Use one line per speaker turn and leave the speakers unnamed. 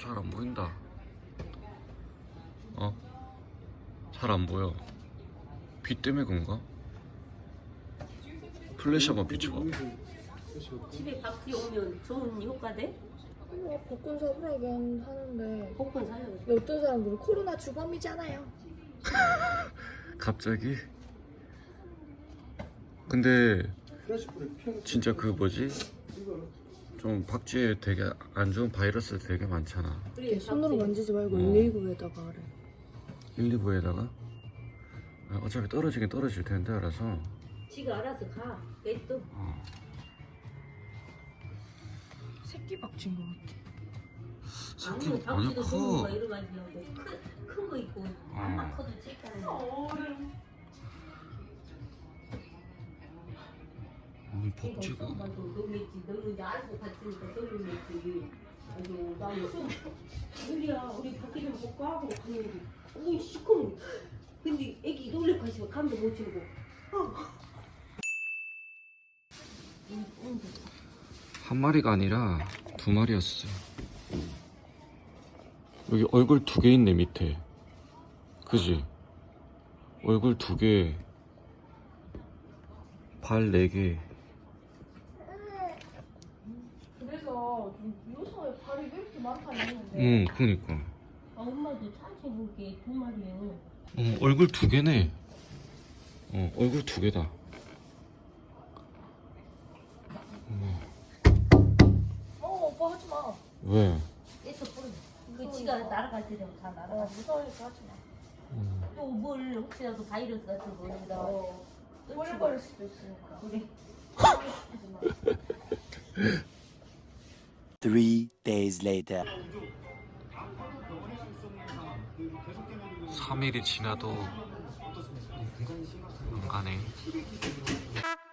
잘 안 보인다. 잘 안 보여. 비 때문에 그런가? 플래시 한번 비춰봐.
집에 박쥐 오면 좋은 효과 돼?
복근 사보라긴 하는데
복근 사요.
어떤 사람들은 코로나 주범이잖아요.
갑자기? 근데 진짜 그 뭐지? 좀 박쥐에 되게 안 좋은 바이러스 되게 많잖아.
그래,
손으로
박쥐.
만지지 말고 119에다가 하래.
119에다가 어차피 떨어지긴 떨어질 텐데 알아서.
지가 알아서 가. 왜 또?
새끼 박쥐인 것 같아.
새끼
아니면
완전
박쥐도 좋은 거
커.
여러 가지하고 큰 거 있고 안만 커도 칠까는 거.
박쥐가.
놀랬지. 너는 이제 알고 갔으니까 놀랬지. 아이고 나는 우리야 우리 밖에 좀 볼까 하고 가는데 오이 시커먼. 근데 애기 놀래 가시면 감도 못 치고.
한 마리가 아니라 두 마리였어. 여기 얼굴 두 개 있네 밑에. 그지? 얼굴 두 개, 발 네 개.
그래서 요새 발이 왜 이렇게 많다니 했는데
그니까.
아 엄마도 산책 볼게 두 마리요.
얼굴 두 개네. 얼굴 두 개다.
오빠 하지마.
왜?
애써 뿌려. 그 지가 날아갈 때 되면 다 날아가.
무서우니까 하지마.
또 뭘 혹시라도 바이러스 같은 거 여기다
오래 걸릴 수도 있으니까.
그래.
3 days later.
3일이 지나도 안 가네.